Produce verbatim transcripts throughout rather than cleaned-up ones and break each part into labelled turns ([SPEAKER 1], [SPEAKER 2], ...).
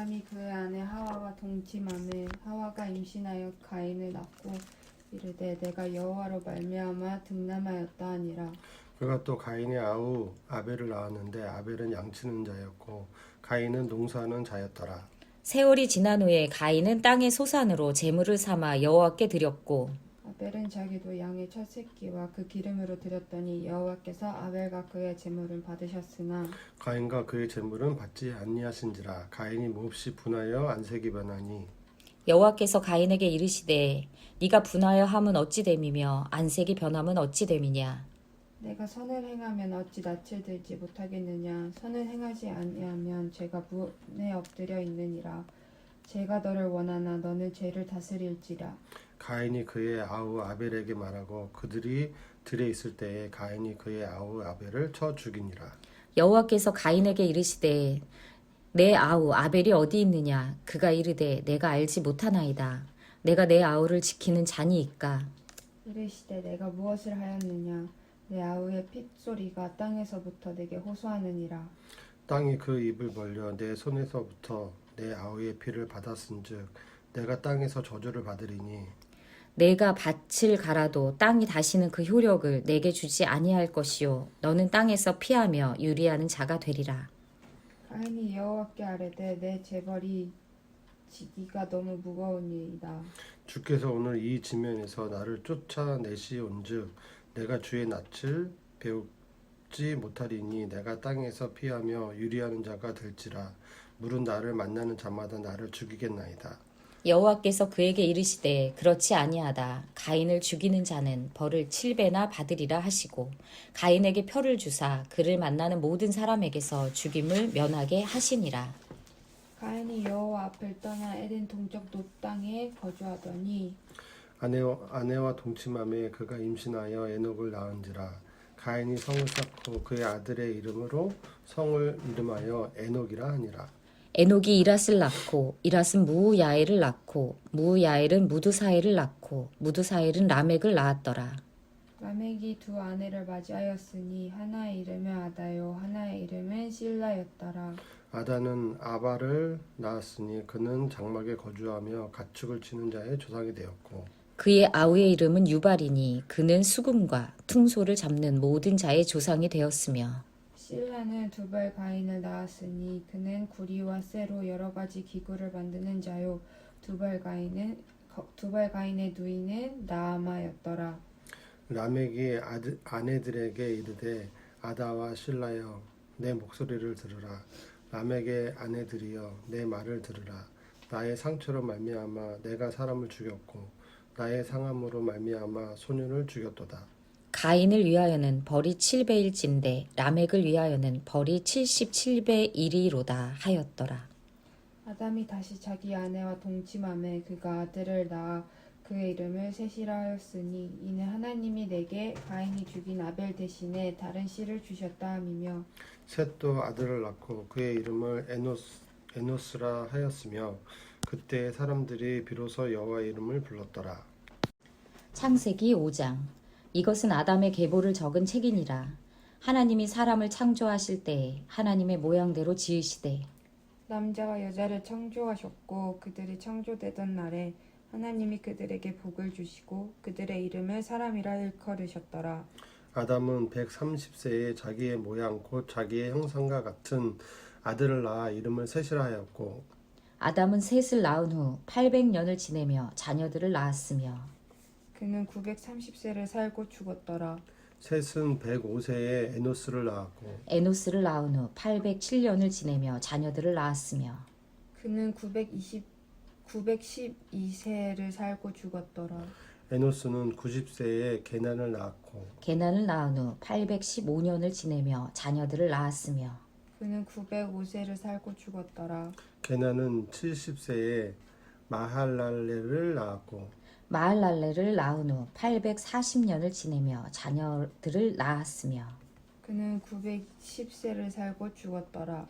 [SPEAKER 1] 아담이 그의 아내 하와와 동침하매 하와가 임신하여 가인을 낳고 이르되 내가 여호와로 말미암아 득남하였다 하니라.
[SPEAKER 2] 그가 또 가인의 아우 아벨을 낳았는데 아벨은 양치는 자였고 가인은 농사하는 자였더라.
[SPEAKER 3] 세월이 지난 후에 가인은 땅의 소산으로 제물을 삼아 여호와께 드렸고
[SPEAKER 1] 아벨은 자기도 양의 첫 새끼와 그 기름으로 드렸더니 여호와께서 아벨과 그의 제물을 받으셨으나
[SPEAKER 2] 가인과 그의 재물은 받지 아니하신지라. 가인이 몹시 분하여 안색이 변하니
[SPEAKER 3] 여호와께서 가인에게 이르시되 네가 분하여 함은 어찌 됨이며 안색이 변함은 어찌 됨이냐.
[SPEAKER 1] 내가 선을 행하면 어찌 낯을 들지 못하겠느냐. 선을 행하지 아니하면 죄가 문에 엎드려 있느니라. 죄가 너를 원하나 너는 죄를 다스릴지라.
[SPEAKER 2] 가인이 그의 아우 아벨에게 말하고 그들이 들에 있을 때에 가인이 그의 아우 아벨을 쳐 죽이니라.
[SPEAKER 3] 여호와께서 가인에게 이르시되 내 아우 아벨이 어디 있느냐. 그가 이르되 내가 알지 못하나이다. 내가 내 아우를 지키는 자니이까.
[SPEAKER 1] 이르시되 내가 무엇을 하였느냐. 내 아우의 핏소리가 땅에서부터 내게 호소하느니라.
[SPEAKER 2] 땅이 그 입을 벌려 내 손에서부터 내 아우의 피를 받았은즉 내가 땅에서 저주를 받으리니
[SPEAKER 3] 내가 밭을 갈아도 땅이 다시는 그 효력을 내게 주지 아니할 것이요 너는 땅에서 피하며 유리하는 자가 되리라.
[SPEAKER 1] 가인이 여호와께 아뢰되 내 재벌이 지기가 너무 무거우니이다.
[SPEAKER 2] 주께서 오늘 이 지면에서 나를 쫓아내시온즉 내가 주의 낯을 배우지 못하리니 내가 땅에서 피하며 유리하는 자가 될지라. 물은 나를 만나는 자마다 나를 죽이겠나이다.
[SPEAKER 3] 여호와께서 그에게 이르시되 그렇지 아니하다. 가인을 죽이는 자는 벌을 칠 배나 받으리라 하시고 가인에게 표를 주사 그를 만나는 모든 사람에게서 죽임을 면하게 하시니라.
[SPEAKER 1] 가인이 여호와 앞을 떠나 에덴 동쪽 놋 땅에 거주하더니
[SPEAKER 2] 아내와, 아내와 동침함에 그가 임신하여 에녹을 낳은지라. 가인이 성을 쌓고 그의 아들의 이름으로 성을 이름하여 에녹이라 하니라.
[SPEAKER 3] 에녹이 이랏을 낳고 이랏은 무야엘을 낳고 무야엘은 무드사엘을 낳고 무드사엘은 라멕을 낳았더라.
[SPEAKER 1] 라멕이 두 아내를 맞이하였으니 하나의 이름은 아다요 하나의 이름은 실라였더라.
[SPEAKER 2] 아다는 아바를 낳았으니 그는 장막에 거주하며 가축을 치는 자의 조상이 되었고
[SPEAKER 3] 그의 아우의 이름은 유발이니 그는 수금과 퉁소를 잡는 모든 자의 조상이 되었으며
[SPEAKER 1] 실라는 두발 가인을 낳았으니 그는 구리와 쇠로 여러 가지 기구를 만드는 자요. 두발 가인은 두발 가인의 누이는 나아마였더라.
[SPEAKER 2] 라멕이 아드, 아내들에게 이르되 아다와 실라여 내 목소리를 들으라. 라멕의 아내들이여 내 말을 들으라. 나의 상처로 말미암아 내가 사람을 죽였고 나의 상함으로 말미암아 소년을 죽였도다.
[SPEAKER 3] 가인을 위하여는 벌이 칠 배일진데 라멕을 위하여는 벌이 칠십칠 배 일이로다 하였더라.
[SPEAKER 1] 아담이 다시 자기 아내와 동침함에 그가 아들을 낳아 그의 이름을 셋이라 하였으니 이는 하나님이 내게 가인이 죽인 아벨 대신에 다른 씨를 주셨다 함이며
[SPEAKER 2] 셋도 아들을 낳고 그의 이름을 에노스, 에노스라 하였으며 그때 사람들이 비로소 여호와 이름을 불렀더라.
[SPEAKER 3] 창세기 오 장. 이것은 아담의 계보를 적은 책이니라. 하나님이 사람을 창조하실 때에 하나님의 모양대로 지으시되
[SPEAKER 1] 남자와 여자를 창조하셨고 그들이 창조되던 날에 하나님이 그들에게 복을 주시고 그들의 이름을 사람이라 일컬으셨더라.
[SPEAKER 2] 아담은 백삼십 세에 자기의 모양 곧 자기의 형상과 같은 아들을 낳아 이름을 셋이라 하였고
[SPEAKER 3] 아담은 셋을 낳은 후 팔백 년을 지내며 자녀들을 낳았으며
[SPEAKER 1] 그는 구백삼십 세를 살고 죽었더라.
[SPEAKER 2] 셋은 백오 세에 에노스를 낳았고
[SPEAKER 3] 에노스를 낳은 후 팔백칠 년을 지내며 자녀들을 낳았으며
[SPEAKER 1] 그는 구백이십, 구백십이 세를 살고 죽었더라.
[SPEAKER 2] 에노스는 구십 세에 게난을 낳았고
[SPEAKER 3] 게난을 낳은 후 팔백십오 년을 지내며 자녀들을 낳았으며
[SPEAKER 1] 그는 구백오 세를 살고 죽었더라.
[SPEAKER 2] 게난은 칠십 세에 마할랄레를 낳았고
[SPEAKER 3] 마할랄레를 낳은 후 팔백사십 년을 지내며 자녀들을 낳았으며
[SPEAKER 1] 그는 구백십 세를 살고 죽었더라.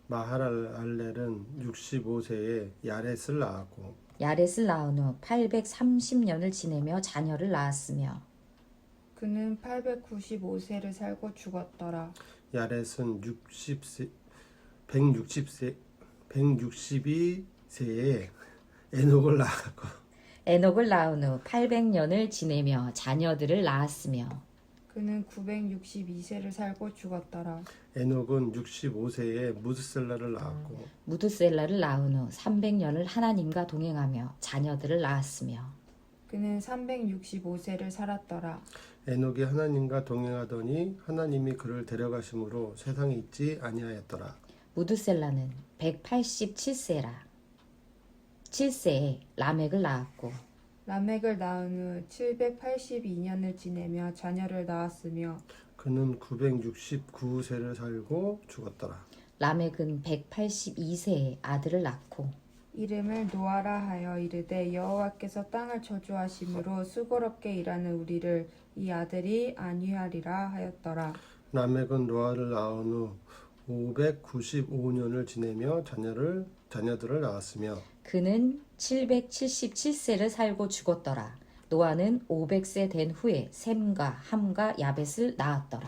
[SPEAKER 2] 마할랄렐은 육십오 세에 야렛을 낳았고
[SPEAKER 3] 야렛을 낳은 후 팔백삼십 년을 지내며 자녀를 낳았으며
[SPEAKER 1] 그는 팔백구십오 세를 살고 죽었더라.
[SPEAKER 2] 야렛은 육십 세, 백육십 세, 백육십이 세에 에녹을 낳았고
[SPEAKER 3] 에녹을 낳은 후 팔백 년을 지내며 자녀들을 낳았으며
[SPEAKER 1] 그는 구백육십이 세를 살고 죽었더라.
[SPEAKER 2] 에녹은 육십오 세에 무드셀라를 낳았고
[SPEAKER 3] 무드셀라를 낳은 후 삼백 년을 하나님과 동행하며 자녀들을 낳았으며
[SPEAKER 1] 그는 삼백육십오 세를 살았더라.
[SPEAKER 2] 에녹이 하나님과 동행하더니 하나님이 그를 데려가심으로 세상에 있지 아니하였더라.
[SPEAKER 3] 무드셀라는 백팔십칠 세라 칠 세에 라멕을 낳았고
[SPEAKER 1] 라멕을 낳은 후 칠백팔십이 년을 지내며 자녀를 낳았으며
[SPEAKER 2] 그는 구백육십구 세를 살고 죽었더라.
[SPEAKER 3] 라멕은 백팔십이 세에 아들을 낳고
[SPEAKER 1] 이름을 노아라 하여 이르되 여호와께서 땅을 저주하심으로 수고롭게 일하는 우리를 이 아들이 안위하리라 하였더라.
[SPEAKER 2] 라멕은 노아를 낳은 후 오백구십오 년을 지내며 자녀를 자녀들을 낳았으며
[SPEAKER 3] 그는 칠백칠십칠 세를 살고 죽었더라. 노아는 오백 세 된 후에 셈과 함과 야벳을 낳았더라.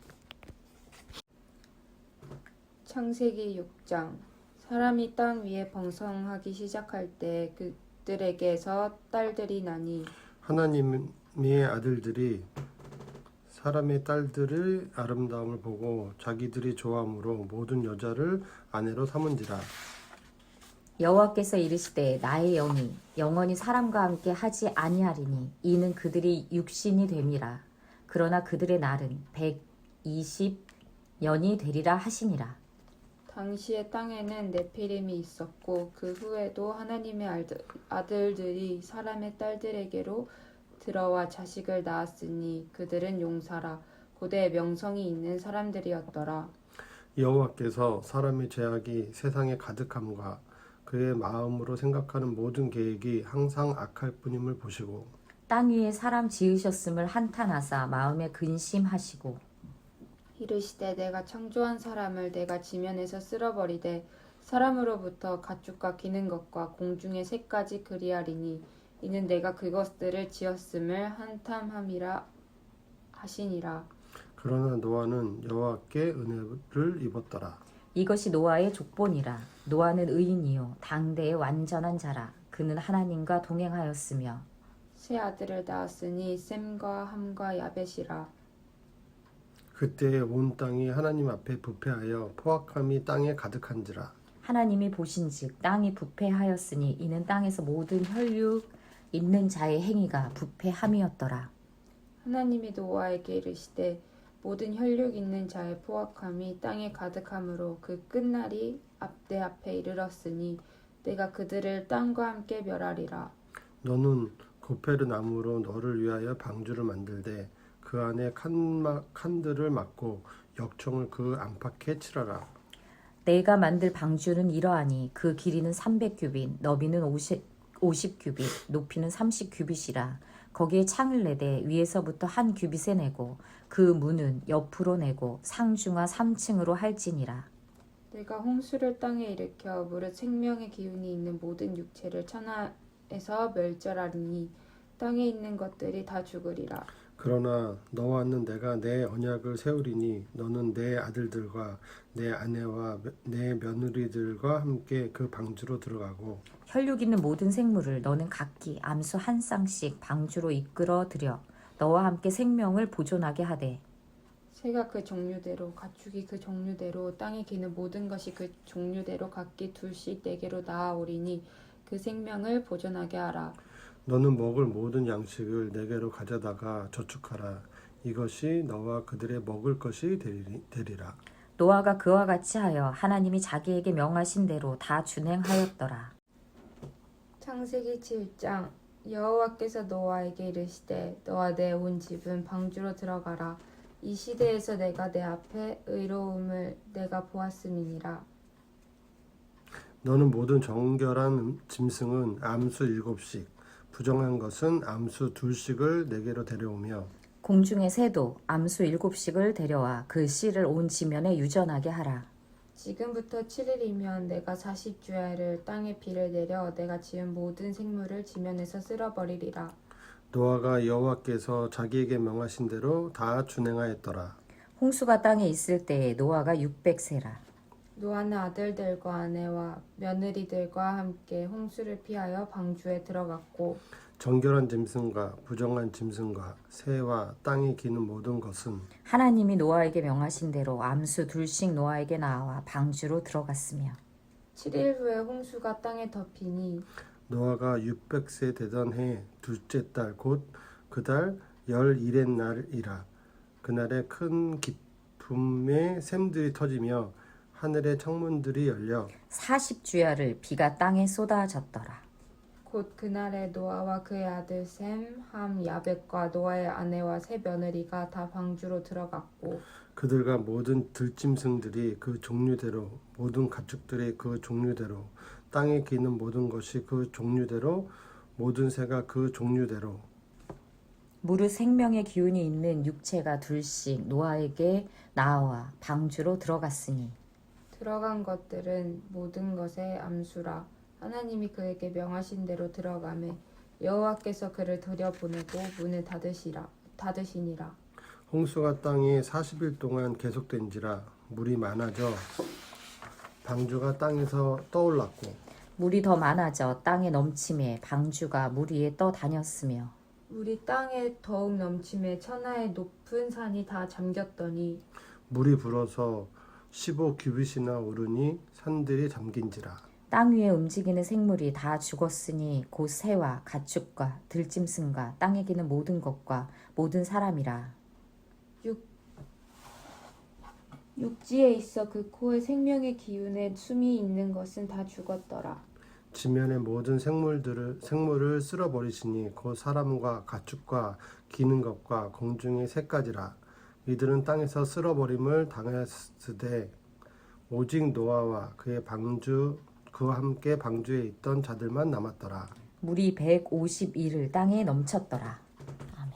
[SPEAKER 1] 창세기 육 장. 사람이 땅 위에 번성하기 시작할 때 그들에게서 딸들이 나니
[SPEAKER 2] 하나님의 아들들이 사람의 딸들의 아름다움을 보고 자기들이 좋아함으로 모든 여자를 아내로 삼은지라.
[SPEAKER 3] 여호와께서 이르시되 나의 영이 영원히 사람과 함께 하지 아니하리니 이는 그들이 육신이 됨이라. 그러나 그들의 날은 백이십 년이 되리라 하시니라.
[SPEAKER 1] 당시에 땅에는 네피림이 있었고 그 후에도 하나님의 아들, 아들들이 사람의 딸들에게로 들어와 자식을 낳았으니 그들은 용사라 고대 명성이 있는 사람들이었더라.
[SPEAKER 2] 여호와께서 사람의 죄악이 세상에 가득함과 그의 마음으로 생각하는 모든 계획이 항상 악할 뿐임을 보시고
[SPEAKER 3] 땅 위에 사람 지으셨음을 한탄하사 마음에 근심하시고
[SPEAKER 1] 이르시되 내가 창조한 사람을 내가 지면에서 쓸어버리되 사람으로부터 가축과 기는 것과 공중의 새까지 그리하리니 이는 내가 그것들을 지었음을 한탄함이라 하시니라.
[SPEAKER 2] 그러나 노아는 여호와께 은혜를 입었더라.
[SPEAKER 3] 이것이 노아의 족본이라. 노아는 의인이요 당대의 완전한 자라. 그는 하나님과 동행하였으며
[SPEAKER 1] 세 아들을 낳았으니 셈과 함과 야벳이라.
[SPEAKER 2] 그때 온 땅이 하나님 앞에 부패하여 포악함이 땅에 가득한지라.
[SPEAKER 3] 하나님이 보신즉 땅이 부패하였으니 이는 땅에서 모든 혈육 있는 자의 행위가 부패함이었더라.
[SPEAKER 1] 하나님이 노아에게 이르시되 모든 혈육 있는 자의 포악함이 땅에 가득함으로 그 끝날이 앞대 앞에 이르렀으니 내가 그들을 땅과 함께 멸하리라.
[SPEAKER 2] 너는 고페르 나무로 너를 위하여 방주를 만들되 그 안에 칸마, 칸들을 막고 역청을 그 안팎에 칠하라.
[SPEAKER 3] 내가 만들 방주는 이러하니 그 길이는 삼백 규빗, 너비는 오십, 오십 규빗, 높이는 삼십 규빗이라. 거기에 창을 내되 위에서부터 한 규빗에 내고 그 문은 옆으로 내고 상중하 삼 층으로 할지니라.
[SPEAKER 1] 내가 홍수를 땅에 일으켜 무릇 생명의 기운이 있는 모든 육체를 천하에서 멸절하리니 땅에 있는 것들이 다 죽으리라.
[SPEAKER 2] 그러나 너와는 내가 내 언약을 세우리니 너는 내 아들들과 내 아내와 내 며느리들과 함께 그 방주로 들어가고
[SPEAKER 3] 혈육 있는 모든 생물을 너는 각기 암수 한 쌍씩 방주로 이끌어 들여 너와 함께 생명을 보존하게 하되
[SPEAKER 1] 새가 그 종류대로 가축이 그 종류대로 땅에 기는 모든 것이 그 종류대로 각기 둘씩 내게로 나아오리니 그 생명을 보존하게 하라.
[SPEAKER 2] 너는 먹을 모든 양식을 내게로 가져다가 저축하라. 이것이 너와 그들의 먹을 것이 되리, 되리라.
[SPEAKER 3] 노아가 그와 같이 하여 하나님이 자기에게 명하신 대로 다 준행하였더라.
[SPEAKER 1] 창세기 칠 장. 여호와께서 노아에게 이르시되 너와 내 온 집은 방주로 들어가라. 이 시대에서 내가 내 앞에 의로움을 내가 보았음이니라.
[SPEAKER 2] 너는 모든 정결한 짐승은 암수 일곱씩 부정한 것은 암수 둘씩을 내게로 데려오며
[SPEAKER 3] 공중의 새도 암수 일곱씩을 데려와 그 씨를 온 지면에 유전하게 하라.
[SPEAKER 1] 지금부터 칠 일이면 내가 사십 주야를 땅에 비를 내려 내가 지은 모든 생물을 지면에서 쓸어버리리라.
[SPEAKER 2] 노아가 여호와께서 자기에게 명하신 대로 다 준행하였더라.
[SPEAKER 3] 홍수가 땅에 있을 때에 노아가 육백 세라.
[SPEAKER 1] 노아는 아들들과 아내와 며느리들과 함께 홍수를 피하여 방주에 들어갔고
[SPEAKER 2] 정결한 짐승과 부정한 짐승과 새와 땅에 기는 모든 것은
[SPEAKER 3] 하나님이 노아에게 명하신 대로 암수 둘씩 노아에게 나와 방주로 들어갔으며
[SPEAKER 1] 칠 일 후에 홍수가 땅에 덮이니
[SPEAKER 2] 노아가 육백 세 되던 해 둘째 달 곧 그 달 열일의 날이라. 그날에 큰 기품의 샘들이 터지며 하늘의 창문들이 열려
[SPEAKER 3] 사십 주야를 비가 땅에 쏟아졌더라.
[SPEAKER 1] 곧 그날에 노아와 그의 아들 셈, 함, 야벳과 노아의 아내와 세 며느리가 다 방주로 들어갔고
[SPEAKER 2] 그들과 모든 들짐승들이 그 종류대로 모든 가축들이 그 종류대로 땅에 기는 모든 것이 그 종류대로 모든 새가 그 종류대로
[SPEAKER 3] 무릇 생명의 기운이 있는 육체가 둘씩 노아에게 나와 방주로 들어갔으니
[SPEAKER 1] 들어간 것들은 모든 것의 암수라. 하나님이 그에게 명하신 대로 들어가매 여호와께서 그를 들여보내고 문을 닫으시라 닫으시니라.
[SPEAKER 2] 홍수가 땅에 사십 일 동안 계속된지라. 물이 많아져 방주가 땅에서 떠올랐고
[SPEAKER 3] 물이 더 많아져 땅에 넘침에 방주가 물 위에 떠다녔으며
[SPEAKER 1] 물이 땅에 더욱 넘침에 천하의 높은 산이 다 잠겼더니
[SPEAKER 2] 물이 불어서 십오 규빗이나 오르니 산들이 잠긴지라.
[SPEAKER 3] 땅 위에 움직이는 생물이 다 죽었으니 곧 새와 가축과 들짐승과 땅에 기는 모든 것과 모든 사람이라.
[SPEAKER 1] 육지에 있어 그 코에 생명의 기운에 숨이 있는 것은 다 죽었더라.
[SPEAKER 2] 지면의 모든 생물들을 생물을 쓸어버리시니 곧 사람과 가축과 기는 것과 공중의 새까지라. 이들은 땅에서 쓸어버림을 당하였으되 오직 노아와 그의 방주 그와 함께 방주에 있던 자들만 남았더라.
[SPEAKER 3] 물이 백오십 일을 땅에 넘쳤더라.